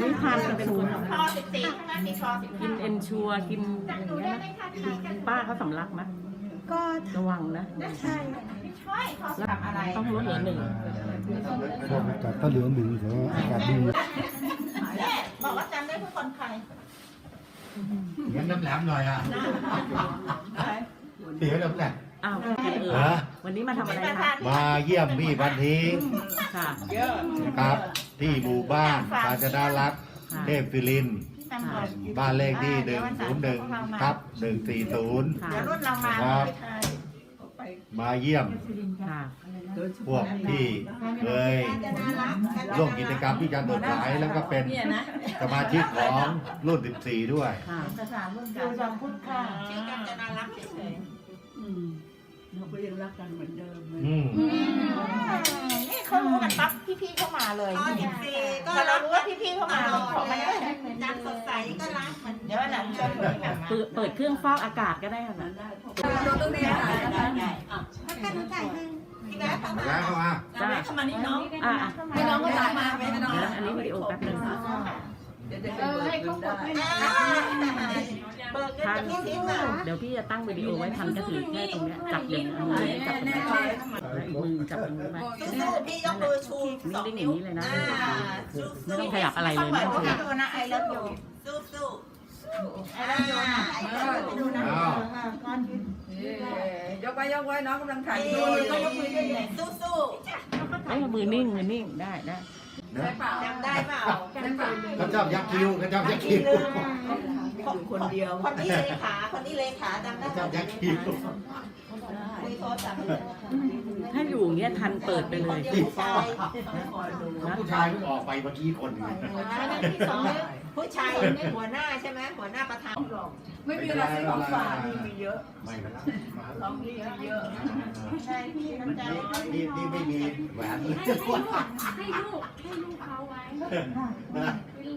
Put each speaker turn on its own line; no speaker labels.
นิทานเป็นคน
คอ14ใช่ไหมมีคอ14
กินเอนชัวกินอย่างเงี้ยนะป้าเขาสำลักไหม
ก็
ระวังนะ
ใช่
ใช่คอทำอะไร
ต้องลดเหลือหนึ่ง
พวกอากาศถ้าเหลือหนึ่งถือว่าอากาศดี
เนี่ยบอกว่าจำได้ทุกคนใคร
เสียงแหลมๆหน่อยอ่ะเสียงแหลม
อ้าววันนี้มาทำอะไรคะ
ๆมาเยี่ยมพี่พันธี
ค่ะ
นะครับ ที่หมู่บ้านกาญจนารัตน์เทพฟิลิน บ้านเลขที่101ทับ140
ค่ะ
เดี๋ยวรุ่นเรามา
ครับ
ไปทาย
มาเยี่ยม
ค่ะ
พวกที่เคยร่วมกิจกรรมที่จะเปิดขายแล้วก็เป็นสมาชิกของรุ่น 14 ด้วย
ค่ะ
ดูจอมพุทธค่ะชื่อกัญจนารักษ์เฉย
เราก็ยังรักกันเหมือนเดิม
อืม
ๆนี่เขารู้กันปั๊บพี่ๆเข้ามาเลยพอเรารู้ว่าพี่ๆเข้ามาเราขอมาได้จำสดใสก็รักเหมือนเดี๋ยววันหลังชวนคุยกันมา
เปิดเครื่องฟอกอากาศก็ได้ค่ะนะ
เราต้องเรียนหา
พี่แบ๊ทำ
แล้วเข้ามา
จ้า
ทำมานี่น้อง
ให้น้องก็
ถ่ายมาไปน้อง
อันนี้วิดีโอแป๊บนึง
เดี๋ยวให้เขากดให้
เบิกเงินจากพี่ทิพย์อ่ะ
เดี๋ยวพี่จะตั้งวิดีโอไว้ทันก็ถือแค่ตรงเนี้ยจับอย่างนี้จับตรงนี้แล้วอีกมือจับตรงนี้ไว้
สู้ๆพี่ยกมือชูสอง
นิ่งๆอ
นิ้ว
ย่างนี้เลยนะ
สู้ๆ
ไม่ต้องขยับอะไรเลย
ไม่
ไม่
ต้
ต้
อ
อง ง
ข
ข
ยั
ยั
บบ ดูนะไอเลิฟยูสู้ๆไอเลิฟยูนะไอเลิฟยูดูนะ
อ้าว
ยกไว้น้องกำลังถ่าย
ก็ยกมือด้วยเลยสู้
เอ้ยมือนิ่งได้
ๆจำได้เปล่า
เขาชอบยักษ์คิ้วเขาชอบยักษ์คิ้ว
คนเดียว
คนนี้เลขาจำได้
เขาชอบยักษ์คิ้ว
คุยโทรศัพท์
ถ้าอยู่อย่างเงี้ยทันเปิดไปเลย
ผู้ชาย
ผู้ชายเพิ่งออกไปเมื่อกี้คนหนึ่ง
ที่สองผู้ชายหัวหน้าใช่ไหมหัวหน้าประธาน
ไม่มีอะไรของฝากมีเยอะ
ไม่เป็นไร
ของพี่เยอะ
ใช่พี่น้ำใจ
นี่ไม่มีแหวนเลย
ให้ลูกเขาไว้